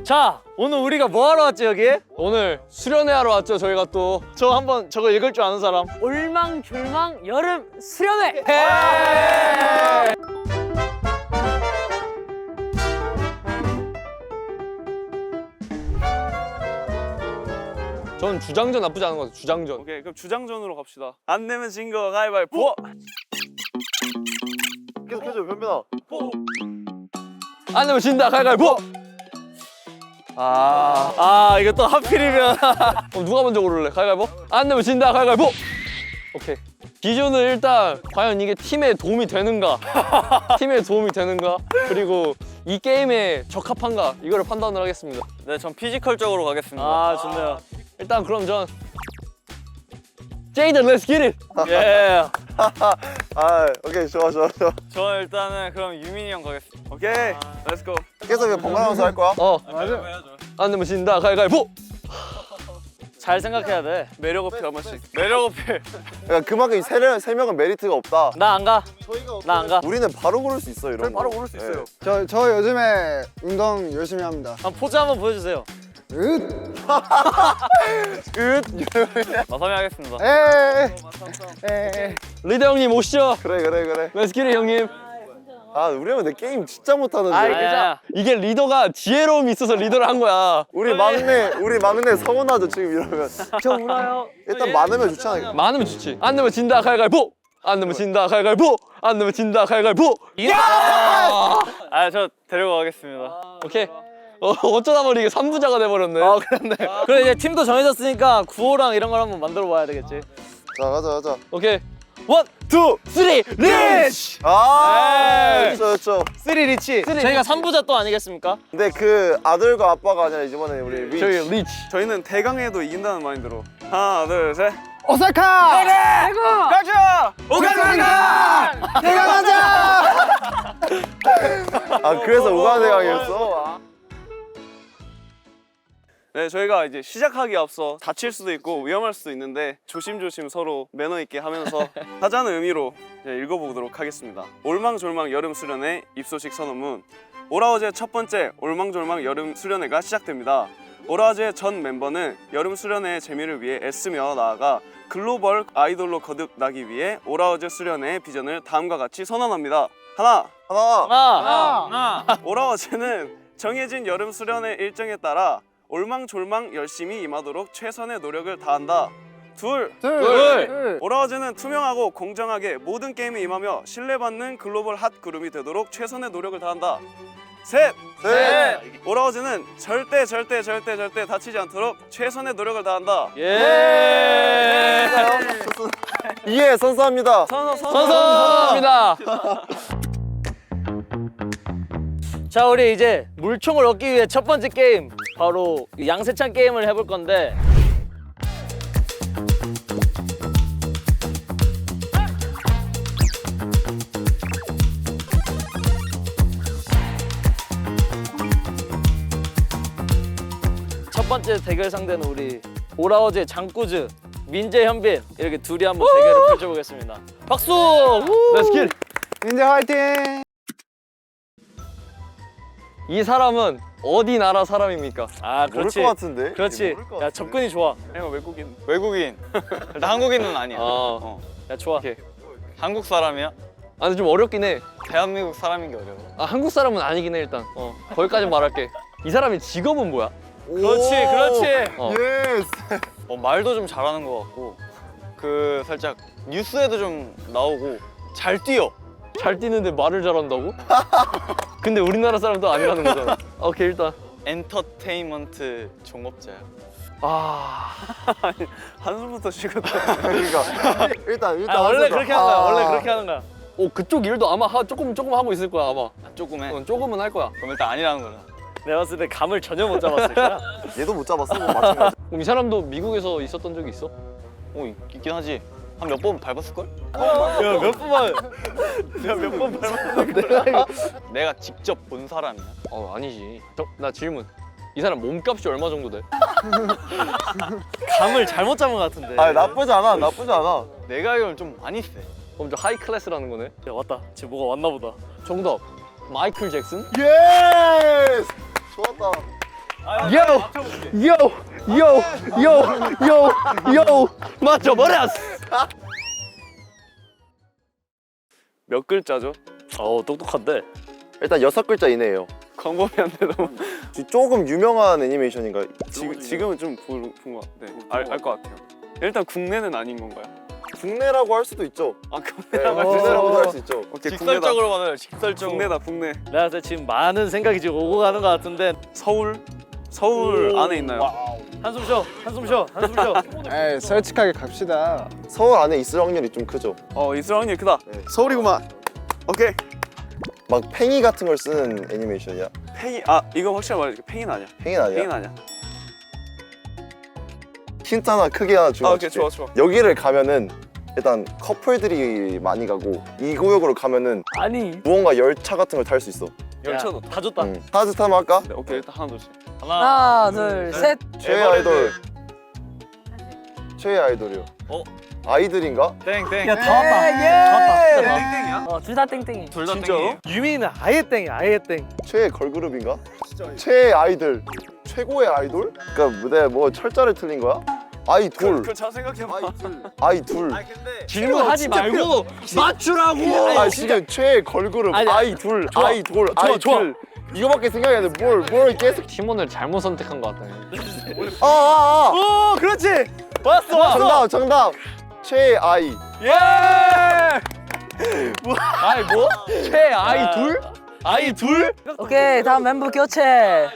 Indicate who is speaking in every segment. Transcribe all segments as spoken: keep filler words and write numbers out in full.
Speaker 1: 자, 오늘 우리가 뭐 하러 왔지 여기?
Speaker 2: 오늘 수련회 하러 왔죠. 저희가 또
Speaker 1: 저 한번 저거 읽을 줄 아는 사람? 올망졸망 여름 수련회!
Speaker 2: 전 주장전 나쁘지 않은 것 같아요. 주장전.
Speaker 3: 오케이, 그럼 주장전으로 갑시다. 안 내면 진 거 가위바위보.
Speaker 4: 계속 해줘 변변아.
Speaker 2: 안 되면 진다. 가위바위보.
Speaker 1: 아, 아 이거 또 하필이면
Speaker 2: 그럼 누가 먼저 고를래? 가위바위보? 안 되면 진다. 가위바위보. 오케이. 기준은 일단 과연 이게 팀에 도움이 되는가, 팀에 도움이 되는가, 그리고 이 게임에 적합한가 이거를 판단을 하겠습니다.
Speaker 3: 네, 전 피지컬적으로 가겠습니다.
Speaker 1: 아 좋네요.
Speaker 2: 일단 그럼 전 제이든 렛츠 깃 잇!
Speaker 1: 예.
Speaker 4: 아 오케이 좋아 좋아 좋아.
Speaker 3: 저 일단은 그럼 유민이 형 가겠습니다. 오케이, 렛츠고.
Speaker 4: 계속 번갈아가면서 할 거야?
Speaker 2: 어,
Speaker 3: 맞아.
Speaker 2: 안 되면 진다. 가위바위보.
Speaker 1: 잘 생각해야 돼.
Speaker 3: 매력 어필 한 번씩. 매력 어필.
Speaker 4: 그러니까 그만큼 이 세, 명, 세 명은 메리트가 없다.
Speaker 1: 나 안 가. 나 안 가.
Speaker 4: 우리는 바로 고를 수 있어 이런 거.
Speaker 3: 바로 고를 수 있어요.
Speaker 5: 저, 저 요즘에 운동 열심히 합니다.
Speaker 1: 한번 포즈 한번 보여주세요.
Speaker 5: 으!
Speaker 3: 마삼이 하겠습니다.
Speaker 5: 에이! 에이!
Speaker 2: 리더 형님 오시죠.
Speaker 4: 그래 그래 그래.
Speaker 2: 렛츠 깃 잇 형님.
Speaker 4: 아 우리 형은 내 게임 진짜 못하는데.
Speaker 1: 아이, 괜찮아.
Speaker 2: 이게 리더가 지혜로움이 있어서 리더를 한 거야.
Speaker 4: 우리 막내 우리 막내 서운하죠 지금 이러면.
Speaker 1: 저 울어요.
Speaker 4: 일단 많으면 좋잖아.
Speaker 2: 많으면 좋지. 안 되면 진다. 가위바위보. 안 되면 진다. 가위바위보. 안 되면 진다. 가위바위보.
Speaker 3: 아, 저 데려가겠습니다.
Speaker 2: 오케이. 어, 어쩌다 보니 이게 삼부자가 돼버렸네.
Speaker 1: 아 그렇네. 그래 이제 팀도 정해졌으니까 구호랑 이런 걸 한번 만들어 봐야 되겠지.
Speaker 4: 자 가자 가자.
Speaker 2: 오케이.
Speaker 1: 원, 투, 쓰리, 리치!
Speaker 4: 아 그렇죠 그렇죠.
Speaker 1: 쓰리 리치. 저희가 삼부자 또 아니겠습니까?
Speaker 4: 근데 그 아들과 아빠가 아니라 이번에 우리 리치.
Speaker 2: 저희 리치.
Speaker 3: 저희는 대강해도 이긴다는 마인드로. 하나, 둘, 셋.
Speaker 5: 오사카!
Speaker 3: 가자! 오가나가!
Speaker 4: 아 그래서 우가대강이었어.
Speaker 3: 네, 저희가 이제 시작하기 앞서 다칠 수도 있고 위험할 수도 있는데 조심조심 서로 매너 있게 하면서 하자는 의미로 이제 읽어보도록 하겠습니다. 올망졸망 여름 수련회 입소식 선언문. 오라워즈의 첫 번째 올망졸망 여름 수련회가 시작됩니다. 오라워즈의 전 멤버는 여름 수련회의 재미를 위해 애쓰며 나아가 글로벌 아이돌로 거듭나기 위해 오라워즈 수련회의 비전을 다음과 같이 선언합니다. 하나,
Speaker 4: 하나.
Speaker 1: 하나, 하나.
Speaker 3: 오라워즈는 정해진 여름 수련회 일정에 따라 올망졸망 열심히 임하도록 최선의 노력을 다한다. 둘,
Speaker 2: 둘.
Speaker 3: 오라워즈는 투명하고 공정하게 모든 게임에 임하며 신뢰받는 글로벌 핫 그룹이 되도록 최선의 노력을 다한다. 셋,
Speaker 4: 셋.
Speaker 3: 오라워즈는 절대 절대 절대 절대 다치지 않도록 최선의 노력을 다한다.
Speaker 1: 예.
Speaker 4: 예 선수합니다.
Speaker 3: 선서 선서.
Speaker 2: 선서입니다.
Speaker 1: 자 우리 이제 물총을 얻기 위해 첫 번째 게임 바로 양세찬 게임을 해볼 건데 첫 번째 대결 상대는 우리 오라워즈의 장꾸즈 민재, 현빈 이렇게 둘이 한번 대결을 펼쳐보겠습니다. 박수!
Speaker 2: 렛츠 깃 잇!
Speaker 5: 민재 화이팅!
Speaker 2: 이 사람은 어디 나라 사람입니까?
Speaker 1: 아
Speaker 4: 모를
Speaker 1: 그렇지.
Speaker 4: 것 같은데.
Speaker 1: 그렇지.
Speaker 4: 모를 것
Speaker 1: 야
Speaker 4: 같은데?
Speaker 1: 접근이 좋아.
Speaker 3: 내가 외국인. 외국인. 나 한국인은 아니야.
Speaker 2: 아,
Speaker 3: 어.
Speaker 1: 야 좋아.
Speaker 2: 오케이.
Speaker 3: 한국 사람이야?
Speaker 2: 아 근데 좀 어렵긴 해.
Speaker 3: 대한민국 사람인 게 어려워.
Speaker 2: 아 한국 사람은 아니긴 해 일단. 어 거기까지 말할게. 이 사람의 직업은 뭐야?
Speaker 1: 그렇지, 그렇지.
Speaker 2: 어.
Speaker 4: 예스.
Speaker 3: 어, 말도 좀 잘하는 것 같고 그 살짝 뉴스에도 좀 나오고 잘 뛰어.
Speaker 2: 잘 뛰는데 말을 잘한다고? 근데 우리나라 사람도 아니라는 거잖아. 오케이 일단.
Speaker 3: 엔터테인먼트 종업자야.
Speaker 2: 아
Speaker 3: 한숨부터 쉬거든.
Speaker 4: 그러니까 일단 일단
Speaker 1: 아, 원래
Speaker 4: 하자.
Speaker 1: 그렇게 하는 거야.
Speaker 4: 아.
Speaker 1: 원래 그렇게 하는 거야.
Speaker 2: 오 그쪽 일도 아마 하, 조금 조금 하고 있을 거야 아마.
Speaker 3: 조금 해.
Speaker 2: 어, 조금은 할 거야.
Speaker 3: 그럼 일단 아니라는 거야.
Speaker 1: 내가 봤을 때 감을 전혀 못 잡았을 거야.
Speaker 4: 얘도 못 잡았어. 뭐 마찬가지.
Speaker 2: 그럼 이 사람도 미국에서 있었던 적이 있어?
Speaker 3: 어, 있- 있긴 하지. 한 몇 번 밟았을걸?
Speaker 1: 야, 몇 번만. 야, 몇 번 밟았는데.
Speaker 3: 내가 직접 본 사람이야.
Speaker 2: 어 아니지. 저, 나 질문. 이 사람 몸값이 얼마 정도 돼?
Speaker 1: 감을 잘못 잡은 것 같은데.
Speaker 4: 아 나쁘지 않아. 나쁘지 않아.
Speaker 3: 내가 알기로는 좀 많이 세.
Speaker 2: 그럼 좀 하이 클래스라는 거네.
Speaker 1: 야, 왔다. 지금 뭐가 왔나 보다.
Speaker 2: 정답. 마이클 잭슨?
Speaker 4: 예스. 좋았다.
Speaker 5: 요! 요! 요! 요! 요!
Speaker 2: 맞춰버렸어.
Speaker 3: 몇 글자죠?
Speaker 1: 어 똑똑한데.
Speaker 4: 일단 여섯 글자 이내예요.
Speaker 3: 광범위한데 너무
Speaker 4: 조금 유명한 애니메이션인가?
Speaker 3: 지금 지금은 좀본것 같아. 알 것 같아요. 일단 국내는 아닌 건가요?
Speaker 4: 국내라고 할 수도 있죠.
Speaker 3: 아
Speaker 4: 네,
Speaker 3: 국내라고 할 수 있어요.
Speaker 4: 국내라고도 할 수 있죠.
Speaker 3: 오케이 국내다.
Speaker 2: 직설적으로 받아요. 직설적으로.
Speaker 3: 국내다 국내.
Speaker 1: 내가 봤을 때 지금 많은 생각이 지금 오고 가는 것 같은데.
Speaker 3: 서울 서울
Speaker 1: 오,
Speaker 3: 안에 있나요?
Speaker 1: 와우. 한숨 쉬어. 한숨 쉬어. 한숨 쉬어.
Speaker 5: 에이, 솔직하게 갑시다.
Speaker 4: 서울 안에 있을 확률이 좀 크죠.
Speaker 3: 어 있을 확률이 크다.
Speaker 4: 네.
Speaker 3: 서울이구만. 오케이.
Speaker 4: 막 팽이 같은 걸 쓰는 애니메이션이야.
Speaker 3: 팽이 아 이거 확실히 말해줄게. 팽이는 아니야.
Speaker 4: 팽이는 아니야.
Speaker 3: 팽이는 아니야.
Speaker 4: 힌트 하나 크게 하나 주고
Speaker 3: 아 오케이 좋아 좋아.
Speaker 4: 여기를 가면은 일단 커플들이 많이 가고 이 구역으로 가면은
Speaker 1: 아니.
Speaker 4: 무언가 열차 같은 걸 탈 수 있어.
Speaker 3: 열차도.
Speaker 1: 다 줬다.
Speaker 4: 응. 하나 둘 하면 할까?
Speaker 3: 네, 오케이 일단 하나 둘씩.
Speaker 1: 하나.
Speaker 6: 하나, 둘, 셋.
Speaker 4: 최애
Speaker 3: 에버랜드.
Speaker 4: 아이돌. 최애 아이돌이요.
Speaker 1: 어?
Speaker 4: 아이들인가?
Speaker 1: 땡땡.
Speaker 6: 야, 다 왔다.
Speaker 1: 다 왔다.
Speaker 3: 땡땡이야?
Speaker 6: 어, 둘 다 땡땡이.
Speaker 1: 둘 다
Speaker 3: 진짜로?
Speaker 1: 땡이에요? 유미는 아예 땡이야. 아예 땡.
Speaker 4: 최애 걸그룹인가? 최애 아이들. 최고의 아이돌? 그러니까 무대 뭐 철자를 틀린 거야? 아이돌.
Speaker 3: 그걸 잘 생각해봐.
Speaker 4: 아이둘.
Speaker 3: 근데
Speaker 2: 질문하지 말고 맞추라고.
Speaker 4: 아 지금 최애 걸그룹
Speaker 1: 아니,
Speaker 4: 아이둘
Speaker 1: 좋아.
Speaker 4: 아이돌
Speaker 1: 좋아,
Speaker 4: 아이둘
Speaker 1: 좋아.
Speaker 4: 이거밖에 생각이 안 나. 뭘뭘 계속
Speaker 2: 팀원을 잘못 선택한 것 같다.
Speaker 4: 아아아
Speaker 1: 오, 그렇지. 왔어, 왔어.
Speaker 4: 정답 정답 최애 아이.
Speaker 1: 예.
Speaker 2: 아이 뭐? 최 아이 둘? 아이 둘?
Speaker 6: 오케이, 다음 멤버 교체.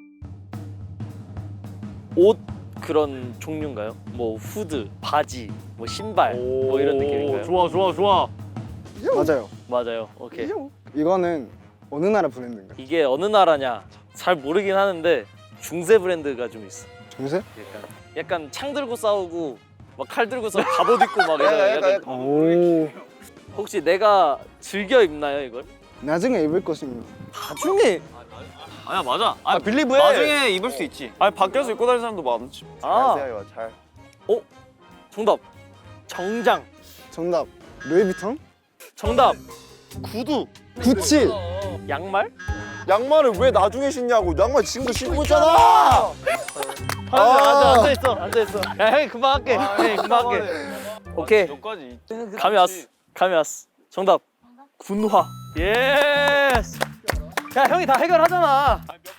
Speaker 1: 옷 그런 종류인가요? 뭐 후드, 바지, 뭐 신발, 뭐 이런 느낌인가요?
Speaker 2: 좋아 좋아 좋아.
Speaker 5: 맞아요.
Speaker 1: 맞아요. 오케이.
Speaker 5: 이거는 어느 나라 브랜드인가요?
Speaker 1: 이게 어느 나라냐 잘 모르긴 하는데 중세 브랜드가 좀 있어.
Speaker 5: 중세?
Speaker 1: 약간 약간 창 들고 싸우고 막 칼 들고서 갑옷 입고 막 이런.
Speaker 4: 약간,
Speaker 1: 약간
Speaker 4: 약간.
Speaker 5: 오.
Speaker 1: 혹시 내가 즐겨 입나요 이걸?
Speaker 5: 나중에 입을 것입니다.
Speaker 1: 나중에. 아니야 맞아.
Speaker 2: 아 빌리브해.
Speaker 1: 나중에 입을 수 있지.
Speaker 3: 아니 밖에서 입고 다니는 사람도 많지.
Speaker 4: 잘
Speaker 1: 아
Speaker 4: 생각해봐 잘.
Speaker 1: 정답. 정장.
Speaker 5: 정답. 루이비통?
Speaker 1: 정답. 구두.
Speaker 5: 구찌.
Speaker 1: 양말?
Speaker 4: 양말을 왜 나중에 신냐고. 양말 지금도 신고 있잖아.
Speaker 1: 앉아 앉아 앉아 있어 앉아 있어. 야 형이 금방 할게. 형이 금방 할게. 오케이.
Speaker 3: 여기까지.
Speaker 1: 감이 왔어. 감이 왔어. 정답. 군화. 예스. 야 형이 다 해결하잖아.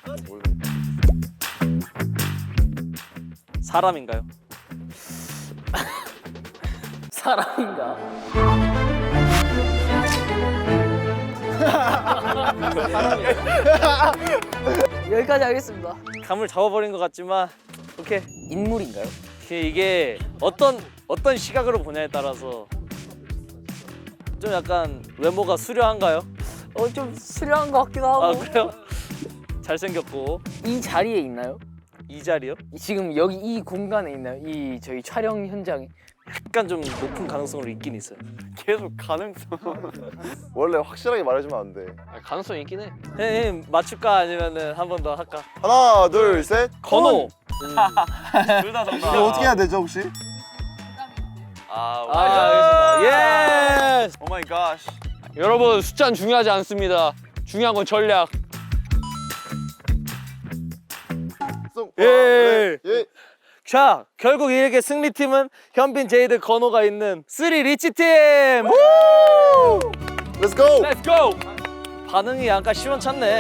Speaker 1: 사람인가요?
Speaker 6: 사람인가? 여기까지 하겠습니다.
Speaker 1: 감을 잡아버린 것 같지만 오케이.
Speaker 6: 인물인가요?
Speaker 1: 이게 어떤 어떤 시각으로 보냐에 따라서 좀 약간 외모가 수려한가요?
Speaker 6: 어, 좀 수려한 것 같기도 하고.
Speaker 1: 아 그래요? 잘생겼고
Speaker 6: 이 자리에 있나요?
Speaker 1: 이 자리요?
Speaker 6: 지금 여기 이 공간에 있나요? 이 저희 촬영 현장에.
Speaker 1: 약간 좀 높은 가능성으로 있긴 있어요.
Speaker 3: 계속 가능성.
Speaker 4: 원래 확실하게 말해주면 안 돼.
Speaker 2: 아, 가능성 있긴 해.
Speaker 1: 형님 맞출까 아니면은 한 번 더 할까?
Speaker 4: 하나 둘 셋.
Speaker 1: 건호.
Speaker 3: 둘 다 정답.
Speaker 4: 이거 어떻게 해야 되죠 혹시?
Speaker 3: 아,
Speaker 1: 아 알겠습니다. 예스.
Speaker 3: 오 마이 갓.
Speaker 2: 여러분 숫자는 중요하지 않습니다. 중요한 건 전략.
Speaker 1: 예.
Speaker 4: 예.
Speaker 1: 자 결국 이렇게 승리팀은 현빈, 제이드, 건호가 있는 쓰리 리치 팀.
Speaker 4: Let's go.
Speaker 1: Let's go. 반응이 약간 시원찮네.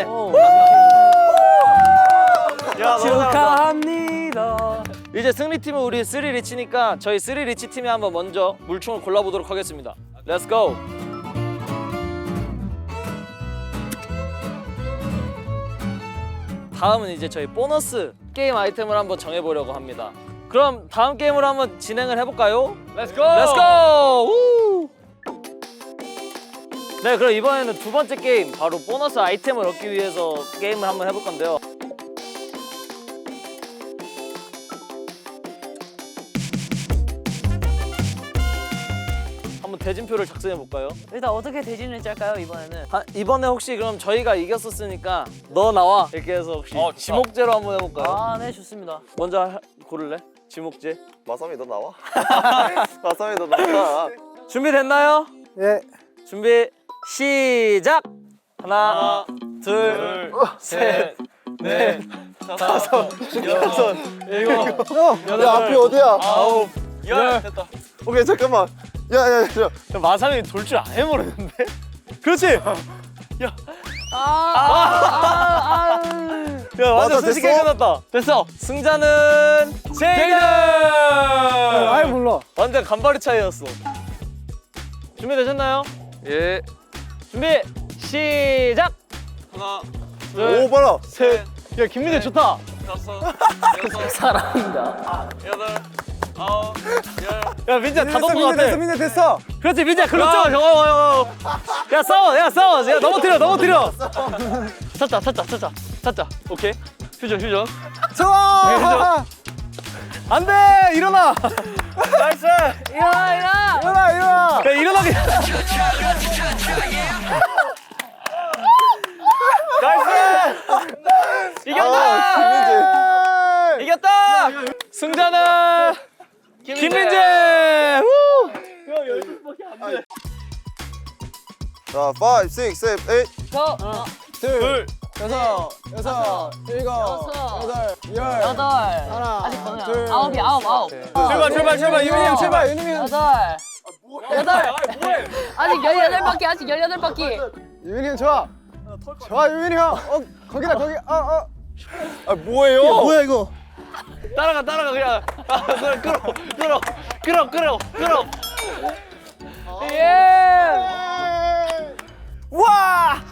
Speaker 3: 야,
Speaker 6: 축하합니다.
Speaker 1: 이제 승리팀은 우리 쓰리 리치니까 저희 쓰리 리치 팀이 한번 먼저 물총을 골라보도록 하겠습니다. Let's go. 다음은 이제 저희 보너스 게임 아이템을 한번 정해보려고 합니다. 그럼 다음 게임으로 한번 진행을 해볼까요?
Speaker 2: Let's go.
Speaker 1: Let's go! 우! 네, 그럼 이번에는 두 번째 게임, 바로 보너스 아이템을 얻기 위해서 게임을 한번 해볼 건데요. 한번 대진표를 작성해 볼까요?
Speaker 6: 일단 어떻게 대진을 짤까요, 이번에는?
Speaker 1: 아, 이번에 혹시 그럼 저희가 이겼었으니까 너 나와 이렇게 해서 혹시
Speaker 2: 어, 좋다.
Speaker 1: 지목제로 한번 해볼까요?
Speaker 6: 아, 네, 좋습니다.
Speaker 1: 먼저 하- 고를래? 지목제.
Speaker 4: 마삼이 너 나와. 마삼이 너 나와.
Speaker 1: 준비됐나요?
Speaker 5: 예.
Speaker 1: 준비 시작. 하나, 둘, 셋, 넷,
Speaker 3: 다섯, 여섯,
Speaker 2: 일곱,
Speaker 4: 야 앞이 어디야?
Speaker 3: 아홉, 열. 됐다.
Speaker 4: 오케이 잠깐만. 야야야.
Speaker 1: 야, 마삼이 돌 줄 안 해모르는데? 그렇지.
Speaker 6: 아, 아, 아,
Speaker 1: 야 완전
Speaker 4: 맞아,
Speaker 1: 순식간에
Speaker 4: 됐어?
Speaker 1: 끝났다.
Speaker 2: 됐어.
Speaker 1: 승자는 제이든.
Speaker 5: 아예 몰라.
Speaker 1: 완전 간발의 차이였어. 준비되셨나요?
Speaker 2: 예.
Speaker 1: 준비 시작.
Speaker 3: 하나,
Speaker 4: 오 봐라.
Speaker 3: 셋,
Speaker 1: 야 김민재 좋다.
Speaker 3: 다섯, 여섯,
Speaker 6: 사랑한다.
Speaker 3: 여덟, 아홉, 열.
Speaker 1: 야 민재 다 넘은 거 같아.
Speaker 5: 민재 됐어.
Speaker 1: 그렇지 민재 글로 쭉.
Speaker 2: 저거
Speaker 1: 야 싸워 야 싸워 야 넘어뜨려 넘어뜨려.
Speaker 2: 찾자 찾자 찾자 찾자. 오케이. 휴전 휴전.
Speaker 5: 좋아.
Speaker 1: 안돼 일어나. 나이스.
Speaker 6: 일어나, 일어나.
Speaker 5: 일어나 일어나.
Speaker 1: 야 일어나게. 나이스. 이겼다.
Speaker 4: 김민재.
Speaker 1: 이겼다. 승자는 김민재. 후.
Speaker 4: 자, 오, 육, 칠, 팔.
Speaker 6: 저, 어,
Speaker 5: 둘, 여섯, 여섯, 일곱,
Speaker 6: 여섯,
Speaker 5: 여덟, 열.
Speaker 6: 여덟.
Speaker 5: 하나,
Speaker 6: 아직 번호야.
Speaker 5: 둘,
Speaker 6: 아홉이 아홉, 아홉.
Speaker 1: 출발 출발 출발
Speaker 5: 유민이 형 출발. 유민이 형.
Speaker 6: 여덟. 여덟. 아직 열여덟 바퀴, 아직 열여덟 바퀴.
Speaker 5: 유민이 형 좋아. 좋아 유민이 형. 어 거기다 거기. 어 어.
Speaker 4: 아 뭐예요?
Speaker 5: 뭐야 이거?
Speaker 1: 따라가 따라가 그냥. 아, 끌어 끌어 끌어 끌어 끌어.
Speaker 6: 예.
Speaker 5: 와.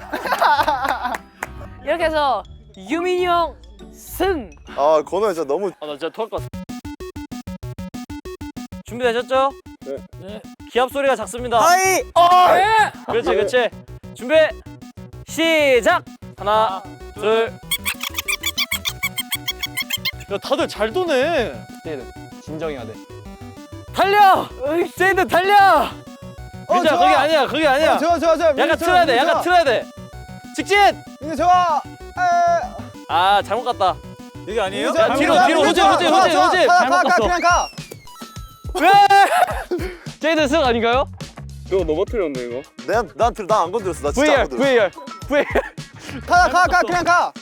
Speaker 6: 이렇게 해서 유민이 형 승.
Speaker 4: 아 건우 진짜 너무.
Speaker 1: 아 나 진짜 토할 것 같아. 준비되셨죠?
Speaker 4: 네.
Speaker 1: 기합 소리가 작습니다.
Speaker 5: 하이.
Speaker 6: 예.
Speaker 1: 그렇지 그렇지. 준비 시작. 하나 둘. 야 다들 잘 도네.
Speaker 2: 얘는 진정해야 돼.
Speaker 1: 달려. 제이든 달려. 민자
Speaker 5: 좋아.
Speaker 1: 거기 아니야 거기 아니야.
Speaker 5: 어, 좋아 좋아 좋아.
Speaker 1: 약간 틀어야 돼 약간 틀어야 돼. 직진.
Speaker 5: 민재 좋아. 에.
Speaker 1: 아 잘못 갔다. 여기 아니에요?
Speaker 5: 민재,
Speaker 1: 야
Speaker 5: 민재,
Speaker 1: 뒤로
Speaker 5: 민재,
Speaker 1: 뒤로
Speaker 5: 민재,
Speaker 1: 후진
Speaker 5: 좋아,
Speaker 1: 후진
Speaker 5: 좋아,
Speaker 1: 후진 후진.
Speaker 5: 가,
Speaker 1: 잘못
Speaker 5: 가, 가,
Speaker 1: 갔어.
Speaker 5: 그냥 가.
Speaker 1: 왜?
Speaker 2: 제이든 승 아닌가요?
Speaker 3: 이거 넘어뜨렸네 이거.
Speaker 4: 내가 나한테 나안 건드렸어. 나 진짜 안
Speaker 2: 브이알
Speaker 4: 건드렸어.
Speaker 2: 브이알 브이알.
Speaker 5: 가, 가, 가, 그냥 가.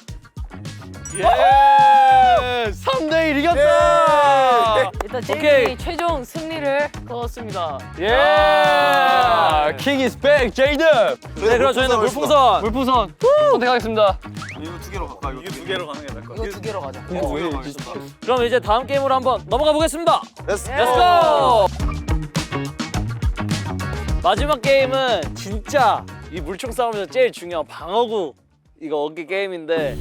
Speaker 1: 예. 삼 대 일 이겼다.
Speaker 6: 일단
Speaker 1: 오케이.
Speaker 6: 제이든이 최종 승리를 거뒀습니다.
Speaker 1: 예.
Speaker 2: 아, king is back, 제이든.
Speaker 1: 네 그럼 저희는 물풍선.
Speaker 2: 물풍선 선택하겠습니다.
Speaker 3: 이거 두 개로 갈까? 이거 두 개로 가는 게 나을 것
Speaker 6: 이거 두 개로 가자.
Speaker 1: 그럼 이제 다음 게임으로 한번 넘어가 보겠습니다.
Speaker 4: Let's
Speaker 6: 예.
Speaker 1: Let's go. 마지막 게임은 진짜 이 물총 싸움에서 제일 중요한 방어구 이거 얻기 게임인데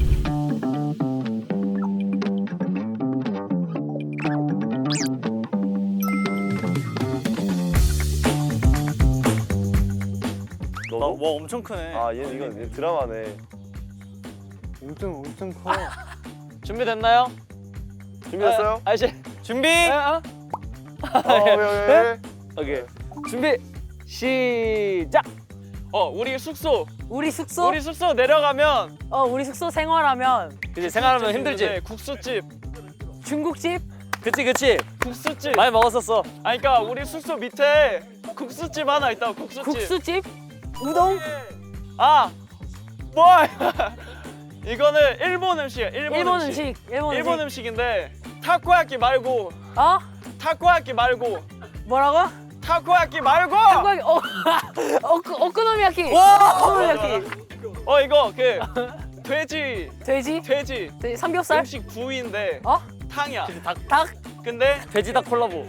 Speaker 1: 와, 와 엄청 크네.
Speaker 4: 아 얘는 이건 얘 드라마네.
Speaker 5: 엄청 엄청 커.
Speaker 1: 준비됐나요?
Speaker 4: 준비됐어요?
Speaker 1: 아, 아저씨 준비.
Speaker 4: 어, 예, 예, 예.
Speaker 1: 오케이 준비 시작.
Speaker 3: 어 우리 숙소
Speaker 6: 우리 숙소?
Speaker 3: 우리 숙소 내려가면
Speaker 6: 어, 우리 숙소 생활하면
Speaker 1: 이제 생활하면 힘들지.
Speaker 3: 네, 국수집
Speaker 6: 중국집?
Speaker 1: 그치 그치.
Speaker 3: 국수집.
Speaker 1: 많이 먹었었어.
Speaker 3: 아니 그러니까 우리 숙소 밑에 국수집 하나 있다. 국수집.
Speaker 6: 국수집? 우동?
Speaker 3: 아 뭐? 이거는 일본 음식이야. 일본,
Speaker 6: 일본
Speaker 3: 음식.
Speaker 6: 음식. 일본,
Speaker 3: 일본
Speaker 6: 음식.
Speaker 3: 음식인데 타코야끼 말고
Speaker 6: 어?
Speaker 3: 타코야끼 말고
Speaker 6: 뭐라고?
Speaker 3: 타코야끼 말고.
Speaker 6: 타코야키. 어. 오크, 오코노미야키. 오코노미야키.
Speaker 3: 어 이거 그 돼지
Speaker 6: 돼지?
Speaker 3: 돼지
Speaker 6: 돼지 삼겹살?
Speaker 3: 음식 부위인데
Speaker 6: 어?
Speaker 3: 탕이야.
Speaker 6: 닭?
Speaker 3: 근데
Speaker 1: 돼지닭 콜라보.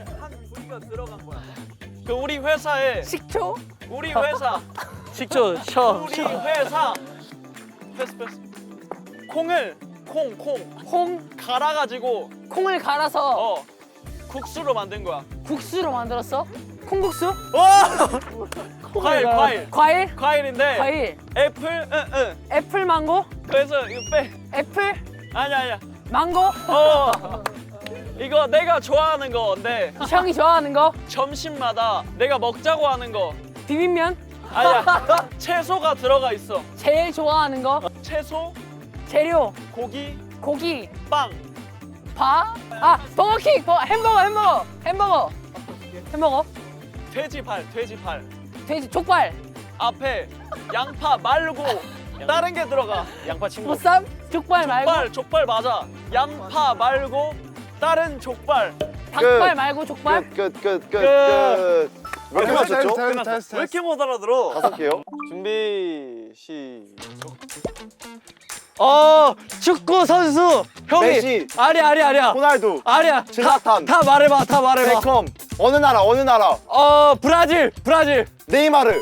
Speaker 3: 그 우리 회사에
Speaker 6: 식초?
Speaker 3: 우리 회사
Speaker 1: 식초 셔.
Speaker 3: 우리 회사 패스 패스 콩을 콩 콩
Speaker 6: 콩?
Speaker 3: 갈아가지고
Speaker 6: 콩을 갈아서
Speaker 3: 어 국수로 만든 거야.
Speaker 6: 국수로 만들었어? 콩국수?
Speaker 3: 과일 과일
Speaker 6: 과일?
Speaker 3: 과일인데
Speaker 6: 과일.
Speaker 3: 애플 응응
Speaker 6: 애플 망고?
Speaker 3: 그래서 이거 빼
Speaker 6: 애플?
Speaker 3: 아니야 아니야
Speaker 6: 망고?
Speaker 3: 어 이거 내가 좋아하는 건데
Speaker 6: 형이 좋아하는 거?
Speaker 3: 점심마다 내가 먹자고 하는 거
Speaker 6: 비빔면?
Speaker 3: 아니야 채소가 들어가 있어.
Speaker 6: 제일 좋아하는 거?
Speaker 3: 채소
Speaker 6: 재료?
Speaker 3: 고기
Speaker 6: 고기?
Speaker 3: 빵
Speaker 6: 바? 아, 버거킹! 버, 햄버거, 햄버거! 햄버거! 햄버거?
Speaker 3: 돼지발 돼지발
Speaker 6: 돼지, 족발!
Speaker 3: 앞에 양파 말고
Speaker 1: 다른 게 들어가. 양파 친구.
Speaker 6: 보쌈? 족발 말고?
Speaker 1: 족발, 족발 맞아. 양파 말고 다른 족발.
Speaker 6: 닭발 말고 족발?
Speaker 4: 끝끝끝끝 몇 개 맞췄죠?
Speaker 3: 왜 이렇게 못 알아들어?
Speaker 4: 다섯 개요?
Speaker 5: 준비 시작.
Speaker 2: 어 축구 선수 형이
Speaker 4: 메시.
Speaker 2: 아리야 아리야 아리야
Speaker 4: 호날두
Speaker 2: 아리야 다,
Speaker 4: 질라탄.
Speaker 2: 다 말해봐 다 말해봐
Speaker 4: 베컴 어느 나라 어느 나라
Speaker 2: 어 브라질 브라질
Speaker 4: 네이마르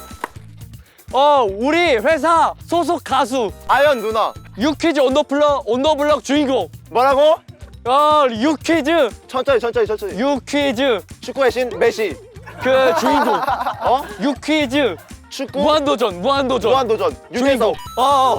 Speaker 2: 어 우리 회사 소속 가수
Speaker 4: 아연 누나
Speaker 2: 유퀴즈 언더블럭 언더블럭 주인공
Speaker 4: 뭐라고?
Speaker 2: 어 유퀴즈
Speaker 4: 천천히 천천히 천천히
Speaker 2: 유퀴즈
Speaker 4: 축구의 신 메시
Speaker 2: 그 주인공
Speaker 4: 어?
Speaker 2: 유퀴즈
Speaker 4: 축구
Speaker 2: 무한도전 무한도전
Speaker 4: 무한도전
Speaker 2: 주인공
Speaker 4: 유재석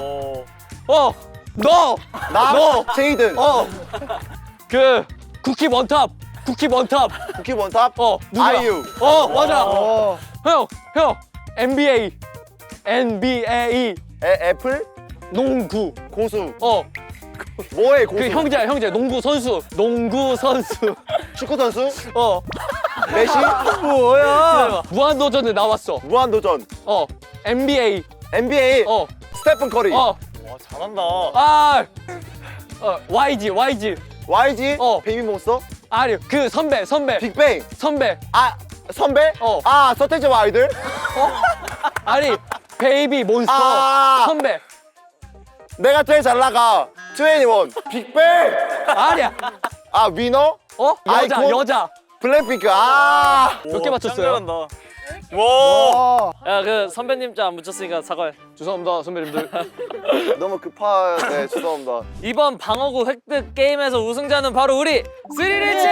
Speaker 2: 어어어너
Speaker 4: 나
Speaker 2: 너.
Speaker 4: 제이든
Speaker 2: 어 그 쿠키 원탑 쿠키 원탑
Speaker 4: 쿠키 원탑
Speaker 2: 어 누구야
Speaker 4: 아이유
Speaker 2: 어 맞아
Speaker 5: 어.
Speaker 2: 형 형 엔비에이 엔비에이
Speaker 4: 애, 애플
Speaker 2: 농구
Speaker 4: 고수
Speaker 2: 어
Speaker 4: 뭐해 고수
Speaker 2: 그 형제야 형제 농구 선수 농구 선수
Speaker 4: 축구 선수
Speaker 2: 어
Speaker 4: 메시
Speaker 2: 뭐야 무한도전에 나왔어
Speaker 4: 무한도전
Speaker 2: 어 엔비에이
Speaker 4: 엔비에이
Speaker 2: 어
Speaker 4: 스테픈 커리
Speaker 2: 어
Speaker 3: 와 잘한다.
Speaker 2: 아 어, 와이지 와이지
Speaker 4: 와이지
Speaker 2: 어.
Speaker 4: 베이비몬스터
Speaker 2: 아니 그 선배 선배
Speaker 4: 빅뱅
Speaker 2: 선배
Speaker 4: 아 선배
Speaker 2: 어.
Speaker 4: 아 서태지와 아이들
Speaker 2: 아니 베이비 몬스터
Speaker 4: 아.
Speaker 2: 선배
Speaker 4: 내가 제일 잘 나가 트웬티원 빅뱅
Speaker 2: 아니야
Speaker 4: 아 위너
Speaker 2: 어 여자
Speaker 4: 아이콘?
Speaker 2: 여자
Speaker 4: 블랙핑크 아
Speaker 2: 몇 개 맞췄어요?
Speaker 3: 잘한다. 와.
Speaker 5: 어.
Speaker 1: 야, 그 선배님 자 안 붙였으니까 사과해.
Speaker 2: 죄송합니다 선배님들
Speaker 4: 너무 급하네 죄송합니다
Speaker 1: 이번 방어구 획득 게임에서 우승자는 바로 우리 스리리치!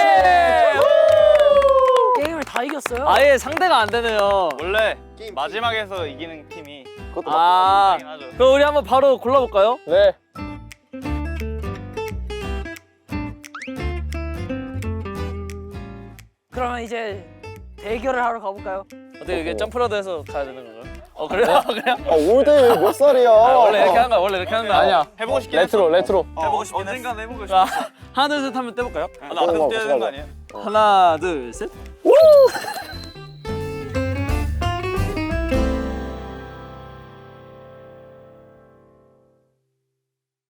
Speaker 6: 게임을 다 이겼어요?
Speaker 1: 아예 상대가 안 되네요.
Speaker 3: 원래 마지막에서 이기는 팀이
Speaker 4: 그것도
Speaker 1: 아,
Speaker 3: 맞긴 하죠.
Speaker 1: 그럼 우리 한번 바로 골라볼까요?
Speaker 2: 네
Speaker 6: 그러면 이제 대결을 하러 가볼까요?
Speaker 1: 어떻게 이게 점프라도 가야 되는 건가요? 어 그래요? 그래요?
Speaker 4: 아 올드 몇 살이야
Speaker 1: 아, 원래 이렇게 하는 거야. 원래 이렇게 하는 거야.
Speaker 2: 아니야
Speaker 3: 해보고 싶긴
Speaker 2: 레트로 레트로
Speaker 3: 해보고 싶긴 언젠간 해보고 싶어.
Speaker 1: 자, 하나 둘 셋 하면 떼볼까요?
Speaker 3: 나 앞에서 뛰어야 되는 거 아니에요?
Speaker 1: 하나 둘 셋.